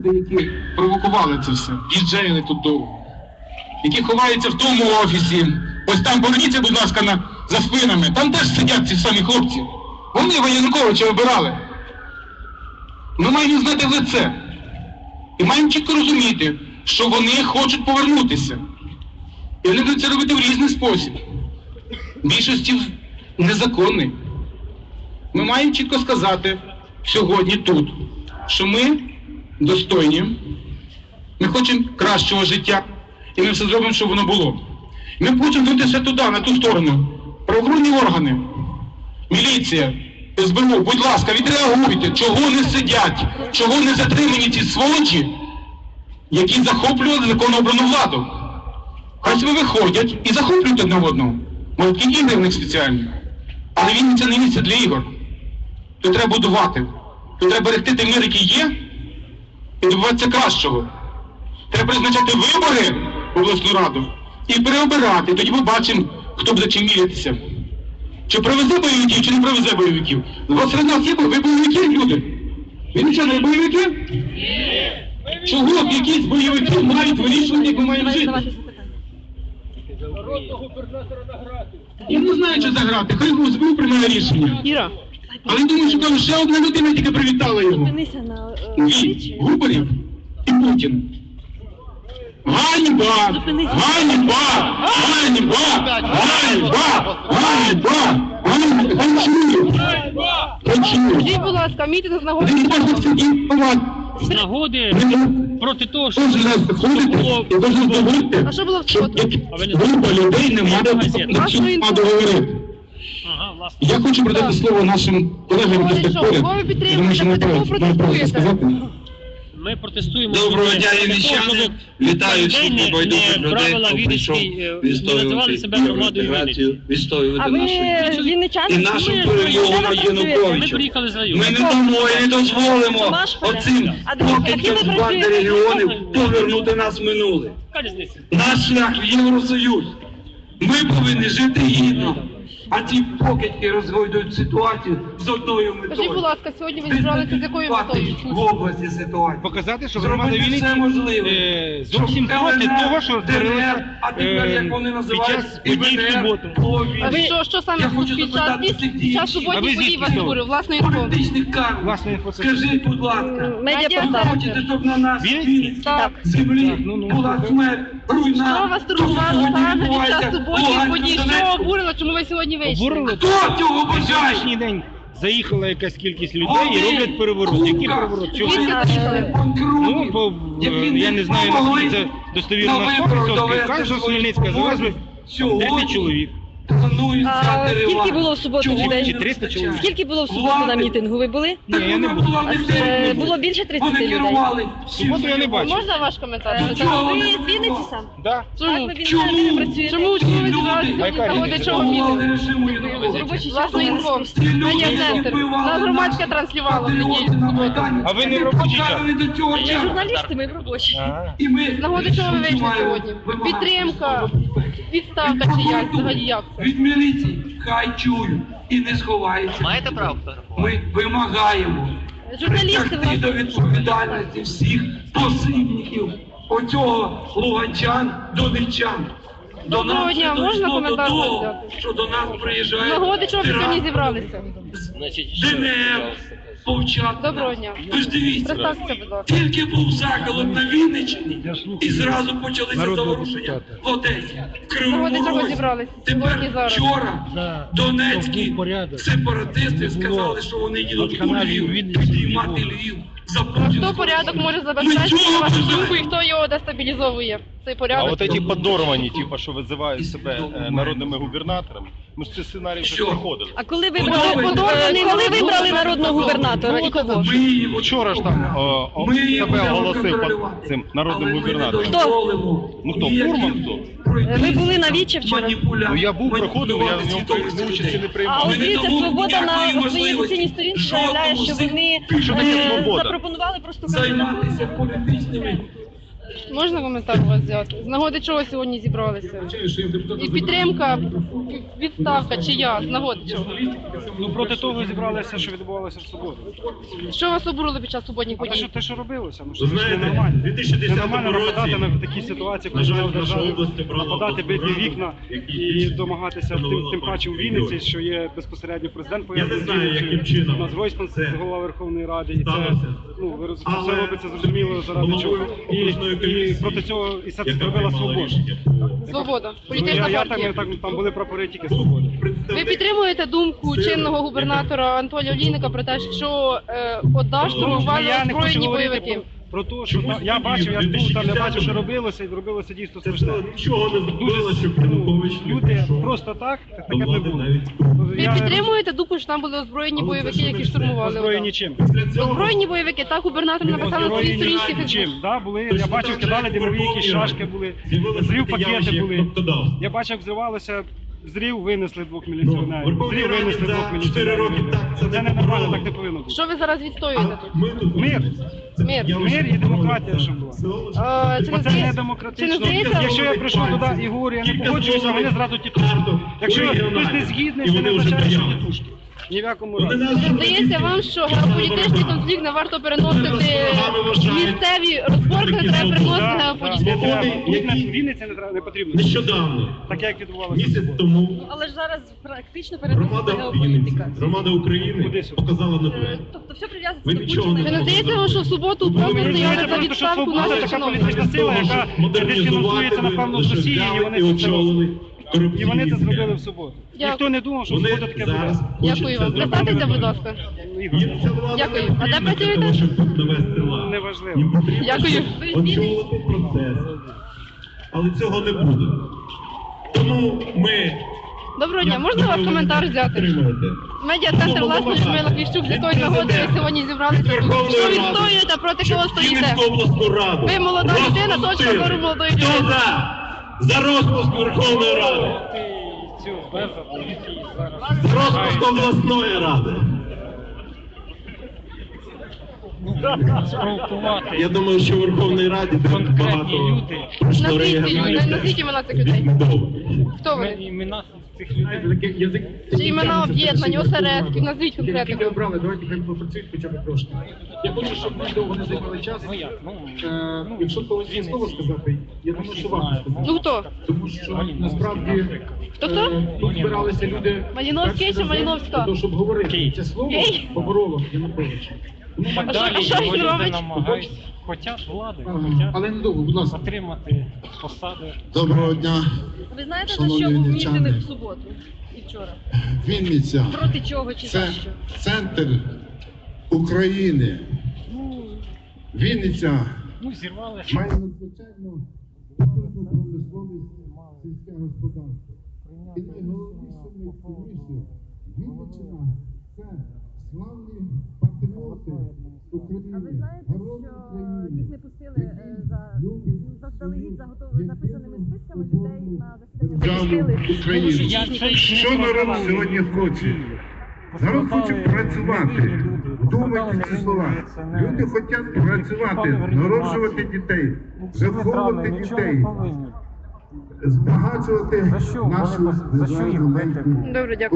Які провокували це все, діджеїли тут довго, які ховаються в тому офісі. Ось там поверніться, будь ласка, за спинами. Там теж сидять ці самі хлопці. Вони Януковича обирали. Ми маємо знати в лице. І маємо чітко розуміти, що вони хочуть повернутися. І вони будуть це робити в різний спосіб. Більшості незаконний. Ми маємо чітко сказати сьогодні тут, що ми достойні, ми хочемо кращого життя, і ми все зробимо, щоб воно було. Ми хочемо дивитися туди, на ту сторону. Правоохоронні органи, міліція, СБУ, будь ласка, відреагуйте, чого не сидять, чого не затримані ці сволочі, які захоплювали законно обрану владу. Хай себе виходять і захоплюють одне одного. Може, такі ігри в них спеціальні. Але він це не місце для ігор. То треба будувати. То треба берегти той мир, який є, і добиватися кращого. Треба призначати вибори в обласну раду і переобирати. Тоді побачимо, хто буде чим мірятися. Чи привезе бойовиків, чи не привезе бойовиків. Серед нас є бойовики, люди. Ви нічого не бойовики? Ні. Чого б якісь бойовики мають вирішувати, як ми маємо жити? Народного губернатора награти. Я не знаю, що заграти. Хай СБУ приймає рішення. Іра. Але я думаю, що там ще одна людина тільки привітала його. Зупинися на Він, Губарєв і Путін. Ганьба! Ганьба! Ганьба! Ганьба! Ганьба! Скажіть, будь ласка, мітинг з нагоди. З нагоди проти того, що А що було в суботу? Група людей не має договорити. Ага, власне. Я хочу передати слово нашим колегам, які стоять поряд. Кого ви підтримуєте, проти кого протестуєте? Ми протестуємо. Доброго дня, вінничани! Вітаю всіх небайдужих людей, хто прийшов відстоювати інтеграцію, А відстоювати ви нашу вінничани? і нашу перемогу над Ми Януковичем. приїхали з Ми району. не дамо і не дозволимо оцим покидькам з банди регіонів повернути нас в минуле. Яка різниця? Наш шлях в Євросоюз. Ми повинні жити гідно. А ці покидьки розгойдують ситуацію з одною метою. Скажіть, будь ласка, сьогодні ви зібралися з якою метою? В області ситуації. Показати, що громада Зробити все Вінниці можливе. зовсім проти того, що творилося а тепер, як вони під називають, час подій в суботу. А ви що саме під час суботніх подій вас говорив? Власне інфо? Політичних карт. Власне інфо. Скажіть, будь ласка, Медіапортал. хочете, щоб на нас Вінниці? Так. землі була смерть, руйна? Що вас турбувало саме під час суботніх подій? Що обурило, чому ви сьогодні вийшли? Обурили? Хто цього бажає? Сьогоднішній день заїхала якась кількість людей і роблять переворот. Який переворот? Чого? Звідки заїхали? Ну, бо я не знаю, наскільки це достовірно на 100%. Кажуть, що Хмельницька завезли 10 чоловік. А скільки було в суботу Чи людей? 300 чоловік? Скільки було в суботу на мітингу? Ви були? Ні, я не був. Було більше 30 людей. В суботу я не бачив. Можна ваш коментар? Ви з Вінниці сам? Да. Так, ви Вінниці не працюєте. Чому ви зібралися А яка сьогодні? різниця? Чого мітинг? Робочий час на інфо. Медіа-центр. Нас громадська транслювала в неділю, в суботу. А ви не в робочий час? Ми журналісти, ми в робочі. Ага. З нагоди чого ви вийшли сьогодні? Підтримка, відставка чи як? Взагалі як це? Від міліції хай чують і не сховаються. Маєте право фотографувати? Ми вимагаємо Журналісти притягти до відповідальності всіх посібників оцього луганчан, донеччан. Доброго дня, це можна дійшло коментар до того, взяти? що до нас З приїжджають нагоди чого ви сьогодні зібралися? ДНР, повчати. Доброго дня. Ви ж дивіться, Представтеся, будь ласка. тільки був заколот на Вінниччині, і зразу почалися заворушення в Одесі, в З нагоди Кривому чого Розі. зібралися? Сьогодні Тепер зараз. вчора донецькі сепаратисти сказали, що вони їдуть у Львів, підіймати Львів за А путінського. хто порядок може забезпечити, на вашу думку, і хто його дестабілізовує? Цей А порядок. вот эти подорвані, типа, що визивають себе народними губернаторами, ми ж цей сценарій вже Що? проходили. А коли коли вибрали народного губернатора і кого? Ми його Вчора ж там Ми його себе будемо оголосив контролювати. цим народним Але ми не губернатором. дозволимо Ну, хто, ніяким Фурман, хто? пройтись Ви були на Вічі вчора? Ну я був, проходив, я маніпулювати в ньому свідомістю участі людей. не А приймав. Ми не дивіться, дамо Свобода на ніякої своїй можливості офіційній сторінці заявляє, жодному що з них вони Що таке свобода? запропонували просто займатися політичними Можна коментар у вас взяти? З нагоди чого сьогодні зібралися? І підтримка, відставка чи я? З нагоди чого? Ну проти того зібралися, що відбувалося в суботу. Що вас обурили під час суботніх А подій? те, що робилося, ну що Ви це ж знаєте, ненормально. в 2010 Ненормально нападати році, на такі ситуації, на коли жаль, в наша державі область обрала нападати, бити Раду, вікна який і домагатися, встановила тим паче у партію Вінниці, регіонів. що є безпосередньо президент Я не знаю, яким чином у нас Гройсман, це голова Верховної Ради, і це, сталося. ну, ви розумієте, Але це робиться зрозуміло заради чого. головою окружної І комісії, проти цього і це яка зробила приймала свобода. рішення по Свобода, Ну, політична я партія. там були прапори тільки свободи. Ви представник підтримуєте думку чинного губернатора Анатолія Олійника про те, що ОДА штурмували Я не хочу озброєні говорити бойовики? про те, що я бачив, я ж був там, я бачив, що робилося, і робилося дійсно це страшне. нічого не зробило, щоб Янукович не Люди прийшов просто так, до таке не влади було. навіть. Ви підтримуєте думку, що там були озброєні Але це бойовики, ж не які все. штурмували Озброєні ОДА? чим? Після цього Озброєні бойовики, так губернатор написав на своїй Озброєні сторінці чим? Фейсбук. Да, були, Точно я бачив, так же, кидали як димові Верховній якісь Раді шашки були, з'явилося зрив таке явище, пакети як були. кнопкодавство. Я бачив, як взривалося, зрив винесли двох Ну, міліціонерів. Верховній Зрив Раді винесли за двох 4 роки міліціонерів. так це Це не ненормально, побороли. так не повинно бути. Що ви зараз відстоюєте тут? Ми тут Мир. Мир. Мир і демократія, щоб була. Чи не Оце не здається- демократично. чи не здається- Якщо я прийшов туди і говорю, я не погоджуюся, вони зразу тітушки. Якщо хтось не згідний, це не означає, що тітушки. Ні в якому разі. Здається вам, що геополітичний конфлікт не варто переносити місцеві розборки, не треба переносити Не геополітичні. треба. Які- Тут на Вінниці не потрібно. Нещодавно, Таке, як відбувалося. в місяць суботу. тому, Але ж зараз практично громада переноситься Вінниці, геополітика. громада України Куди сюди? показала нове. Тобто все прив'язується Ви до нічого Путіна. Чи не здається вам, що в суботу просто Ви стояли розумієте, за просто, що відставку свобода наших така чиновників? політична сила, яка дисфінансується, напевно, з Росії, і вони це очолили І вони це зробили в суботу. Ніхто не думав, що в Вони суботу таке зараз буде. Дякую вам. Представтеся, будь ласка. Їм ця влада Дякую. не А де потрібна працюєте? для того, щоб тут навести лад. Неважливо. Їм потрібно Дякую. очолити процес. Але цього не буде. Тому ми... Доброго дня, можна вас коментар взяти? Підтримуєте. Медіа-центр власне Людмила Кліщук з якої нагоди ви сьогодні зібралися. Що відстоюєте, проти кого стоїте? Київську обласну раду. Ви молода людина, точка Розпустили. зору молодої Хто людини. за розпуск Верховної Ради? За розпуск обласної ради. Спровокувати Я думаю, що в Верховній Раді дуже конкретні багато люди. Назвіть імена цих людей. Хто вони? Імена цих людей. Чи імена об'єднань, осередків? Назвіть конкретно. Які обрали, давайте хай попрацюють хоча б трошки. Я хочу, щоб ми довго не займали час. Ну як? Ну, Якщо повинні слово сказати, я думаю, що вам сказати. Ну хто? Тому що насправді Хто? тут збиралися люди Маліновський чи перший раз Маліновська? для того, щоб говорити. Це слово Київ. побороло Януковича. так А що- далі, а що він люди робить? намагаються, хотять влади, Ага. хотять Але недовго, будь ласка. отримати посади. Доброго дня, Ви знаєте, за Шановні що був вінничани. мітинг в суботу і вчора? Вінниця. Проти чого чи Це за що? центр України. Вінниця Ну, зірвалися. має надзвичайно потужну промисловість, сільське господарство. І найголовніше, найцінніше, Вінниччина – це славні патріоти України, А ви знаєте, герої що України, їх не пустили які люблять заздалегідь свою записаними єдину списками людей свободну на засідання? державу України. Що народ сьогодні хоче? Народ хоче працювати. Вдумайте ці слова. Люди хочуть працювати, народжувати дітей, виховувати дітей, збагачувати нашу державу. Добре, дякую.